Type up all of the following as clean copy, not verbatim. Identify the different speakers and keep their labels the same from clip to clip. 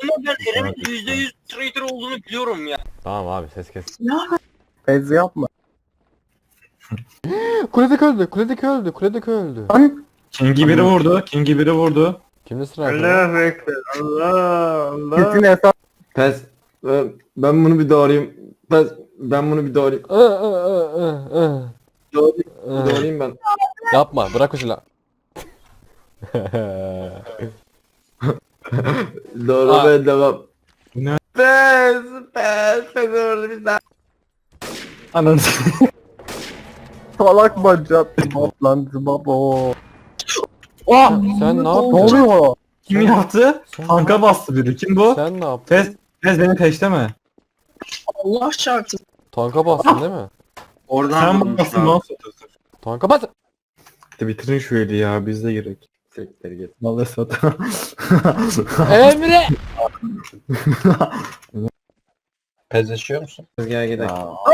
Speaker 1: Ama ben Erem'in %100 traitor olduğunu biliyorum ya.
Speaker 2: Tamam abi ses kes.
Speaker 3: Ez yapma.
Speaker 2: Kuledeki öldü. Kuledeki öldü. Kuledeki öldü.
Speaker 3: Lan.
Speaker 4: King'i biri vurdu. King'i biri vurdu.
Speaker 2: Kimde sıra?
Speaker 3: Allahu Ekber. Allah. Kesin hesap.
Speaker 5: Pes. Ben bunu bir doğrayayım. Pes. Ben bunu bir doğrayayım. Doğrayayım ben.
Speaker 2: Yapma. Bırak o silahı.
Speaker 5: Doğramaya devam.
Speaker 4: Bu ne?
Speaker 5: Pes. Pes orada bir daha.
Speaker 4: Ananı
Speaker 3: Salak bacak. Zıbap lan zıbap o.
Speaker 4: Oh!
Speaker 2: Sen ne
Speaker 3: Ne
Speaker 2: yapıyorsun?
Speaker 3: oluyor?
Speaker 4: Kim yaptı? Tanka bastı biri. Kim bu?
Speaker 2: Sen ne yaptın?
Speaker 4: Tez beni peşleme.
Speaker 1: Allah çarpsın.
Speaker 2: Tanka bastın değil mi?
Speaker 1: Oradan
Speaker 4: Sen
Speaker 1: vurmuş
Speaker 4: bastın
Speaker 1: abi.
Speaker 4: lan satıyorsun.
Speaker 2: Tanka bas.
Speaker 4: Bitirin şu eli ya biz de gerek.
Speaker 5: Sektir git.
Speaker 4: Vallahi sat.
Speaker 2: Emre.
Speaker 1: Pezleşiyor musun?
Speaker 5: Gel gidelim.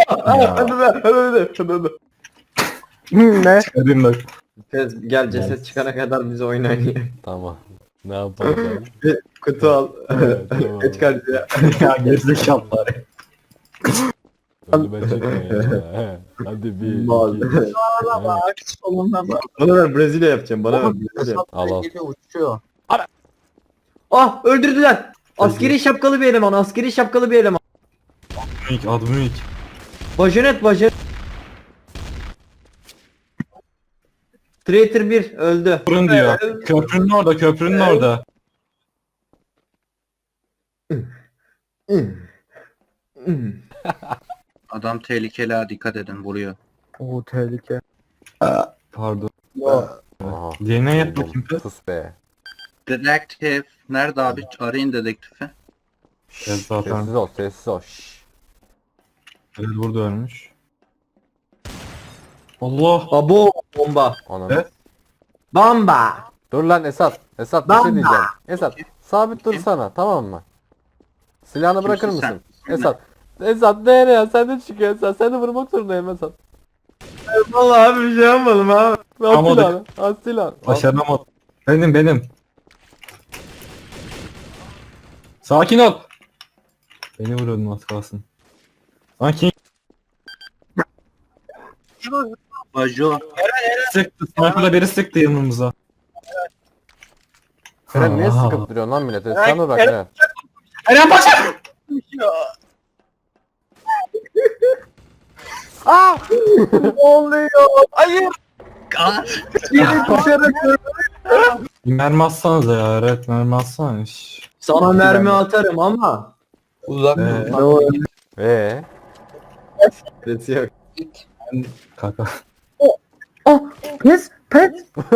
Speaker 3: Ne?
Speaker 4: Çıkarayım bak.
Speaker 5: Pes gel ceset çıkana kadar bize oyun oynayalım.
Speaker 2: Tamam. Ne yapalım?
Speaker 5: Kutu al.
Speaker 2: Evet, tamam.
Speaker 5: Geç karşıya.
Speaker 4: Ya gerizekalılar.
Speaker 2: Hadi ben çekeyim ya. Hadi bir.
Speaker 5: Mal.
Speaker 2: iki.
Speaker 1: Bak soluna bak.
Speaker 5: Bana ver Brezilya yapacağım. Bana ver Brezilya.
Speaker 2: Al al.
Speaker 3: Geliyor uçuyor.
Speaker 5: Ah öldürdüler. Askeri şapkalı bir eleman. Askeri şapkalı bir eleman.
Speaker 4: Adımı ilk.
Speaker 5: Bajonet bajonet. Traitor 1 öldü.
Speaker 4: Fırın diyor. Köprünün orada, köprünün orada.
Speaker 1: Adam tehlikeli ha, dikkat edin, vuruyor.
Speaker 3: Oo tehlike.
Speaker 4: Pardon.
Speaker 3: Ya.
Speaker 2: Aha.
Speaker 4: DNA yap bakayım kız.
Speaker 2: Sus be.
Speaker 1: Dedektif. Nerede abi? Arayın dedektifi.
Speaker 4: Evet, zaten.
Speaker 2: Sessiz ol, sessiz ol. Şşş.
Speaker 4: Evet burada ölmüş. Allah.
Speaker 5: Abo bomba.
Speaker 2: Ananı.
Speaker 4: Evet.
Speaker 5: Bomba.
Speaker 2: Dur lan Esat. Esat bir şey diyeceğim. Esat sabit dursana, tamam mı? Silahını bırakır
Speaker 1: Kimsin
Speaker 2: mısın?
Speaker 1: sen?
Speaker 2: Esat. Esat nereye? Sen de çıkıyor Esat. Sen de vurmak zorundayım Esat.
Speaker 5: Vallahi abi bir şey yapmadım abi.
Speaker 2: Al
Speaker 4: Ama
Speaker 2: silahını. Al silahını. Al.
Speaker 4: Başaramadım. Benim. Sakin ol. Beni vuruyordun az kalsın. Lan King
Speaker 1: Bajo.
Speaker 4: sıktı. Sniper'la biri sıktı yanımıza.
Speaker 2: Eren niye
Speaker 4: Aa.
Speaker 2: sıkıp duruyorsun lan millete? Sen dur bak Eren.
Speaker 4: Eren başla!
Speaker 2: Aa!
Speaker 3: Ne oluyor? Hayır. Biri düşerek
Speaker 4: Mermi atsanıza ya. Evet mermi atsana. Şşş.
Speaker 5: Sana mermi atarım ama.
Speaker 1: Uzak
Speaker 4: Ee,
Speaker 3: Ne oluyor?
Speaker 5: Sesi yok.
Speaker 4: Kaka.
Speaker 3: Pes. Pes.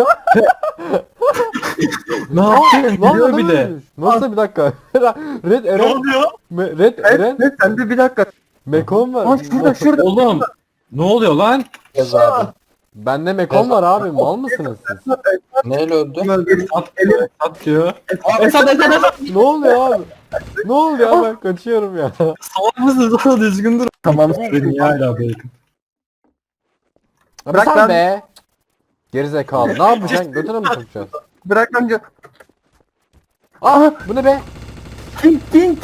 Speaker 4: Ne yaptın?
Speaker 2: Lan
Speaker 4: Biliyor
Speaker 2: adam
Speaker 4: bir de.
Speaker 2: ölmüş. Nasıl bir dakika? Red Eren. Ne oluyor? Red Eren.
Speaker 3: Pes. Sen de bir dakika.
Speaker 2: Mekon var.
Speaker 3: Aa şurada.
Speaker 4: Oğlum. Ne oluyor lan?
Speaker 2: Bende Mekon var abi. Mal mısınız siz?
Speaker 1: Neyle öldü?
Speaker 4: At diyor.
Speaker 2: Esat. Ne oluyor abi? Ne oluyor abi? Ben kaçıyorum ya.
Speaker 4: Salak mısın? Sana düzgün dur.
Speaker 3: Tamam.
Speaker 4: Beni ya hala bacon.
Speaker 2: Abi
Speaker 3: Bırak
Speaker 2: sen
Speaker 3: lan.
Speaker 2: be. Gerizekalı. Ne yapacaksın? Götüne mi sokacaksın?
Speaker 3: Bırak lan.
Speaker 2: Aha bu ne be?
Speaker 3: King.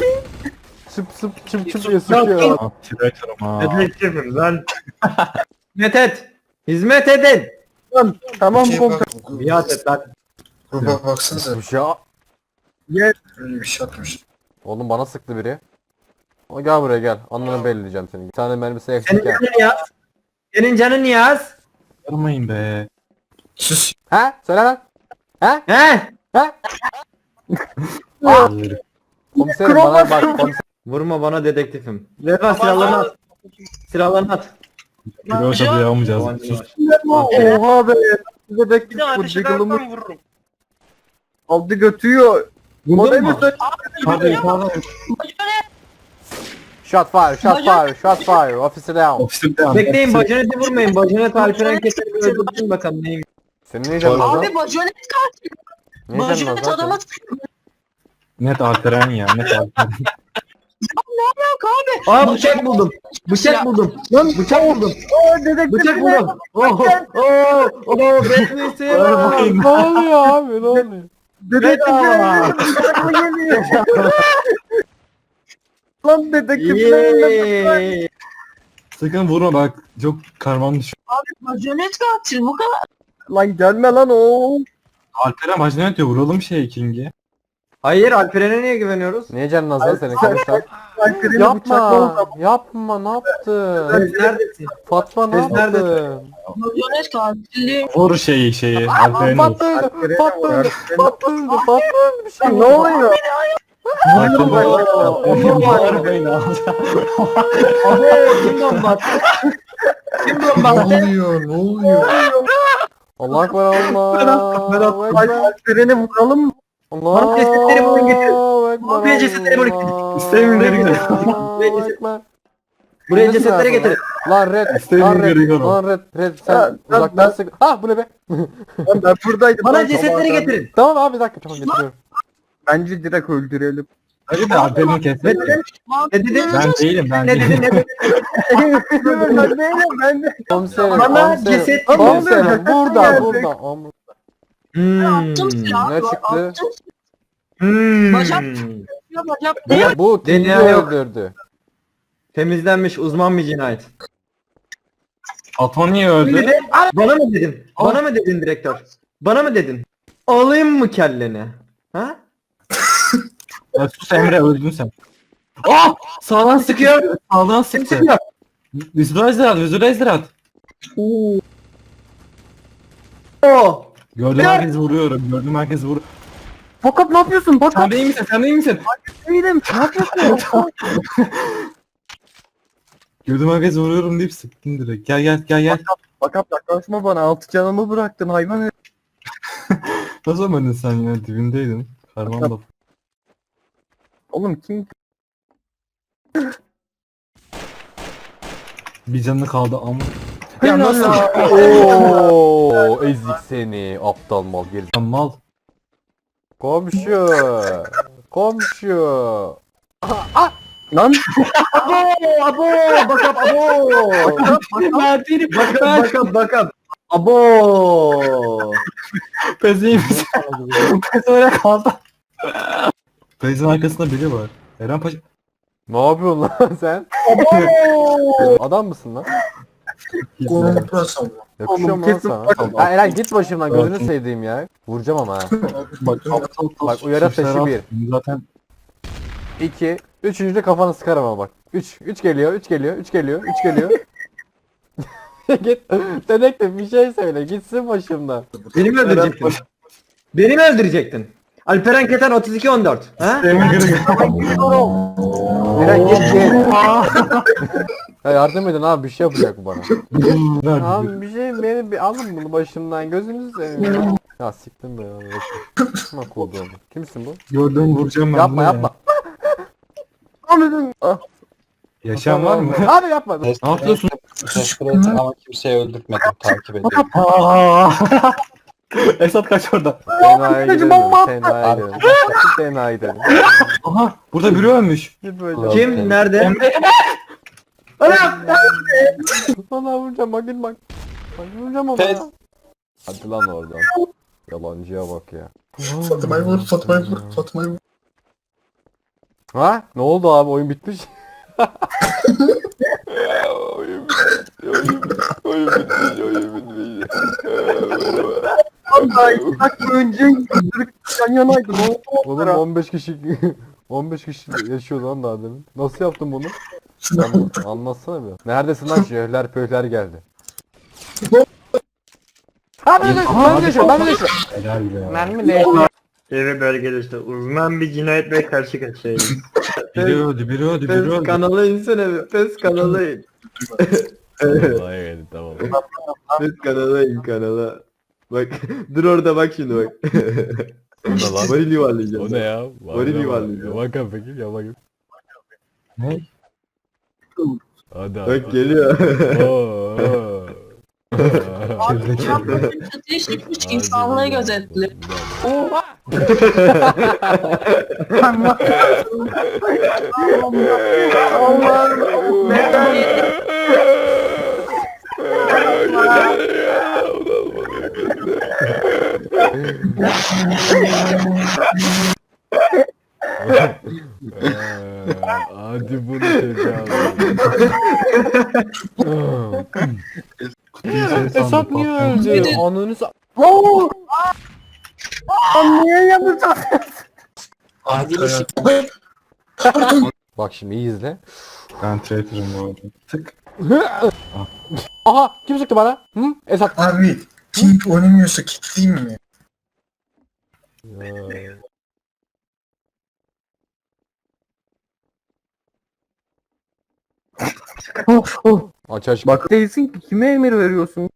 Speaker 2: Çıp diye sıkıyor.
Speaker 4: Aa, Traitor'ım ha.
Speaker 5: Dedektifim lan. Hizmet et. Hizmet edin.
Speaker 3: Tamam komutan.
Speaker 5: Biat et lan.
Speaker 6: Baksanıza
Speaker 2: Bu ya.
Speaker 3: Gel.
Speaker 6: öyle bir şey yapmış.
Speaker 2: Oğlum bana sıktı biri. O gel buraya gel. Anlarını belleyeceğim seni. Bir tane mermisi
Speaker 5: Senin
Speaker 2: eksik ya.
Speaker 5: canın yaz. Senin canın yaz.
Speaker 4: Yarmayın be.
Speaker 6: Sus.
Speaker 2: He? Söyle lan. He?
Speaker 5: He?
Speaker 2: He?
Speaker 4: Herif.
Speaker 2: Komiserim bana bak. Komiserim.
Speaker 5: Vurma bana dedektifim. Vefa silahlarını at. Silahlarını at.
Speaker 4: Giriyorsa duyamayacağız. Sus.
Speaker 3: Oha be. Dedektif bu diggle'ımı
Speaker 1: vururum.
Speaker 3: aldı götüyor.
Speaker 4: Vurdun mu?
Speaker 3: Modemi
Speaker 4: Yukarıda.
Speaker 2: Shot fire. Officer down.
Speaker 4: Ofisir devam.
Speaker 5: Bekleyin bacaneti vurmayın. Bacanet Alperen keserini öldürsün bakalım neyim.
Speaker 2: Senin ne canın o zaman?
Speaker 7: Abi bajonet katil.
Speaker 2: Ne canın o
Speaker 7: Bajonet
Speaker 2: zaman?
Speaker 7: adama
Speaker 4: Net Alperen ya. Net Alperen.
Speaker 7: yok abi.
Speaker 5: Aa bıçak buldum. Bıçak buldum. Lan bıçak buldum.
Speaker 3: dedektif.
Speaker 5: Bıçak buldum. Oh oh oh. Bretney
Speaker 2: Ne oluyor abi? Ne oluyor?
Speaker 3: Dedektifler geliyor. Lan dedektifler.
Speaker 5: Yeee.
Speaker 4: Sakın vurma bak. Çok karmam düşüyor.
Speaker 7: Bajonet katil bu kadar.
Speaker 3: Lan gelme lan o.
Speaker 4: Alperen majnet diyor. Vuralım King'i.
Speaker 5: Hayır Alperen'e niye güveniyoruz?
Speaker 2: Niye canın az lan senin kanka?
Speaker 3: Alperen'i bıçakla
Speaker 2: Yapma. Yapma ne yaptın?
Speaker 5: Sen neredesin?
Speaker 2: Fatma ne
Speaker 5: Biz neredesin?
Speaker 2: yaptın?
Speaker 7: Bajonet katili.
Speaker 4: Vur şeyi. Alperen'i vur.
Speaker 2: Fatma öldü. Fatma öldü. Fatma öldü. Fatma öldü. Bir şey
Speaker 3: Ne oluyor?
Speaker 4: Alperen'i
Speaker 5: Abi kim bomba? Kim bomba?
Speaker 6: Ne oluyor?
Speaker 2: Allah ekber Allah.
Speaker 3: Berat Alperen'i vuralım mı?
Speaker 2: Allah.
Speaker 5: Abi cesetleri bulun getir.
Speaker 2: Ekber.
Speaker 5: Abi cesetleri bulun getir.
Speaker 4: İstemiyorum geri gidelim.
Speaker 2: Allah ekber.
Speaker 5: Buraya
Speaker 2: Nasıl
Speaker 5: cesetleri
Speaker 2: yapalım?
Speaker 5: getirin.
Speaker 2: Lan red.
Speaker 4: İstemiyorum,
Speaker 2: Lan red.
Speaker 4: görüyorum.
Speaker 2: Lan red. Red
Speaker 3: Ya,
Speaker 2: sen
Speaker 3: ben-
Speaker 2: uzaktan sık. Ah bu ne be?
Speaker 3: Lan ben buradaydım.
Speaker 5: Bana
Speaker 3: lan
Speaker 5: cesetleri
Speaker 3: sabahtan.
Speaker 5: getirin.
Speaker 2: Tamam abi bir dakika tamam getiriyorum.
Speaker 3: Bence direkt öldürelim.
Speaker 4: Hadi de Alperen'i
Speaker 5: Ne
Speaker 4: keselim.
Speaker 5: dedin? Ne dedin?
Speaker 4: Ben değilim ben
Speaker 5: Ne dedin?
Speaker 4: değilim.
Speaker 5: Ne dedin?
Speaker 3: Ben değilim ben de.
Speaker 2: Komiserim.
Speaker 5: Bana
Speaker 2: Komiserim.
Speaker 5: ceset
Speaker 2: Komiserim
Speaker 3: geldi.
Speaker 2: burada
Speaker 3: Geldi.
Speaker 2: burada. Am-
Speaker 7: Attım silahı.
Speaker 2: ne çıktı?
Speaker 7: Attım
Speaker 5: Bacak.
Speaker 7: silahı bacak.
Speaker 2: Bu King'i
Speaker 5: DNA yok.
Speaker 2: öldürdü.
Speaker 5: Temizlenmiş uzman bir cinayet.
Speaker 4: Fatma niye öldü?
Speaker 5: Bana mı dedin? Bana mı dedin direktör? Bana mı dedin? Alayım mı kelleni? Ha?
Speaker 4: Ya sus Emre öldün sen. Ah! Sağdan sıkıyor. Sağdan
Speaker 5: Kim
Speaker 4: sıktı.
Speaker 5: sıkıyor?
Speaker 4: Visualizer at.
Speaker 5: Oo.
Speaker 4: Gördüğüm herkes vuruyorum. Gördüğüm herkes vuruyor.
Speaker 3: Fakat ne yapıyorsun? Bak
Speaker 4: Sen değil misin? Sen değil misin?
Speaker 3: değilim. Ne yapıyorsun?
Speaker 4: Gördüğüm herkes vuruyorum deyip sıktın direkt. Gel.
Speaker 3: Bak yaklaşma bana. 6 canımı bıraktın hayvan herif.
Speaker 4: Nasıl ölmedin sen ya? Dibindeydin. Karman da.
Speaker 3: Oğlum kim?
Speaker 4: Bir canı kaldı ama.
Speaker 3: Ya nasıl?
Speaker 2: Ooo ezik seni aptal mal geri.
Speaker 4: Mal.
Speaker 2: Komşu. Komşu.
Speaker 3: Lan
Speaker 5: Abo. Bakap abo. Bakap. Abo.
Speaker 4: Pez iyi misin? Pez öyle kaldı. Pez'in arkasında biri var. Eren Paşa.
Speaker 2: Ne yapıyorsun lan sen? Adam mısın lan?
Speaker 6: Korkuyorsun.
Speaker 2: Yakışıyor
Speaker 3: Oğlum,
Speaker 2: mu lan
Speaker 3: kesin
Speaker 2: sana?
Speaker 3: bak-
Speaker 2: Ya Eren git başımdan gözünü
Speaker 4: Bakın.
Speaker 2: sevdiğim ya. Vuracağım ama ha.
Speaker 4: Bak
Speaker 2: Bak, uyarı taşı bir.
Speaker 4: Zaten
Speaker 2: 2. Üçüncüde kafanı sıkarım ama bak. 3 geliyor. Git. Dedektif bir şey söyle. Gitsin başımdan.
Speaker 5: Beni mi öldürecektin? Beni mi öldürecektin? Alperen Keten 32-14. Ha?
Speaker 2: Eren git. Ya yardım edin abi bir şey yapacak bu bana. Abi bir şey beni bir alın bunu başımdan gözünüzü seveyim. Ya siktim be ya. Kim oldu onu? Kimsin bu?
Speaker 4: Gördüm vuracağım ben
Speaker 2: Yapma
Speaker 4: bunu ya.
Speaker 2: yapma.
Speaker 4: Yaşayan var mı?
Speaker 2: Abi yapma.
Speaker 4: Ne yapıyorsun?
Speaker 1: Teşekkür ederim ama kimseyi öldürtmedim. Takip ediyorum.
Speaker 4: Esat kaç orada.
Speaker 2: Tenaya gidelim. Tenaya gidelim. Tenaya gidelim.
Speaker 4: Aha burada biri ölmüş.
Speaker 2: Git böyle.
Speaker 5: Kim? Nerede?
Speaker 2: Bana vuracağım bak git bak. Bak vuracağım ama.
Speaker 1: Pes.
Speaker 2: Hadi lan oradan. Yalancıya bak ya.
Speaker 6: Fatma'yı vur. Fatma'yı vur.
Speaker 2: Ha? Ne oldu abi oyun bitmiş. oyun bitmiş.
Speaker 3: Daha 2 dakika önce yan yanaydı. Ne oldu?
Speaker 2: Oğlum 15 kişi 15 kişi yaşıyor lan daha demin. Nasıl yaptın bunu? Anlatsana bir. Neredesin lan şehirler pöyler geldi. Ha ben de yaşıyorum ben de yaşıyorum.
Speaker 4: Helal be.
Speaker 2: Mermi ne yaşıyor?
Speaker 5: Yeni bölgede işte uzman bir cinayetle karşı karşıyayız.
Speaker 4: Biri öldü.
Speaker 5: Pes kanala insene bir. Pes kanala in.
Speaker 2: Evet tamam.
Speaker 5: Pes kanala in kanala. Bak dur orada bak şimdi bak.
Speaker 2: O ne lan?
Speaker 5: Varil yuvarlayacağım.
Speaker 2: O ne ya?
Speaker 5: Varil yuvarlayacağım.
Speaker 2: Bakın peki ya bakın.
Speaker 4: Ne?
Speaker 2: Hadi
Speaker 5: Bak geliyor.
Speaker 7: Abi çatıya çıkmış insanlığı gözetli. Oha.
Speaker 2: Hadi bunu tecavüz. Esat niye öldü? Ananı
Speaker 3: Niye yapacağız?
Speaker 6: Arkaya.
Speaker 2: Bak şimdi iyi izle.
Speaker 4: Ben traitor'ım bu arada. Tık.
Speaker 2: Aha kim sıktı bana? Hı? Esat.
Speaker 6: Abi Pink oynamıyorsa kilitleyeyim mi?
Speaker 2: Aç aç.
Speaker 3: Bak değilsin ki kime emir veriyorsun?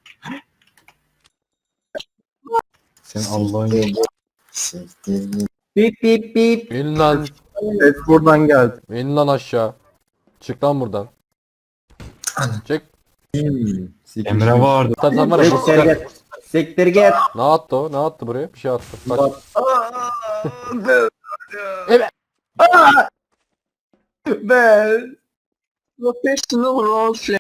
Speaker 4: Senin Allah'ın yolu.
Speaker 6: Siktir git.
Speaker 5: Bip bip bip.
Speaker 2: İn lan.
Speaker 3: Ses buradan geldi.
Speaker 2: İn lan aşağı. Çık lan buradan. Çık.
Speaker 4: Emre vardı.
Speaker 2: Sen var ya.
Speaker 5: Sektir git. Sektir git.
Speaker 2: Ne attı o? Ne attı buraya? Bir şey attı. Bak.
Speaker 5: Ben.
Speaker 7: Professional roleplay.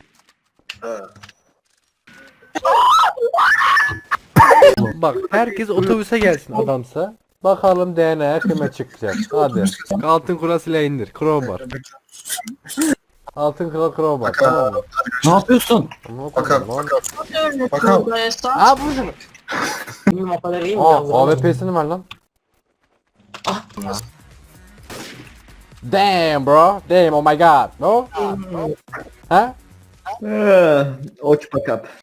Speaker 2: Bak herkes otobüse gelsin adamsa. Bakalım DNA kime çıkacak. Hadi. Altın kurasıyla indir. Crowbar. Altın kral crowbar. Tamam mı?
Speaker 4: Ne yapıyorsun?
Speaker 6: Bakalım.
Speaker 2: Lan.
Speaker 6: Bakalım.
Speaker 2: Aa bu şunu. Aa AWP'sini ver lan. Damn bro. Damn oh my god. No? Ha?
Speaker 5: Oç bakap.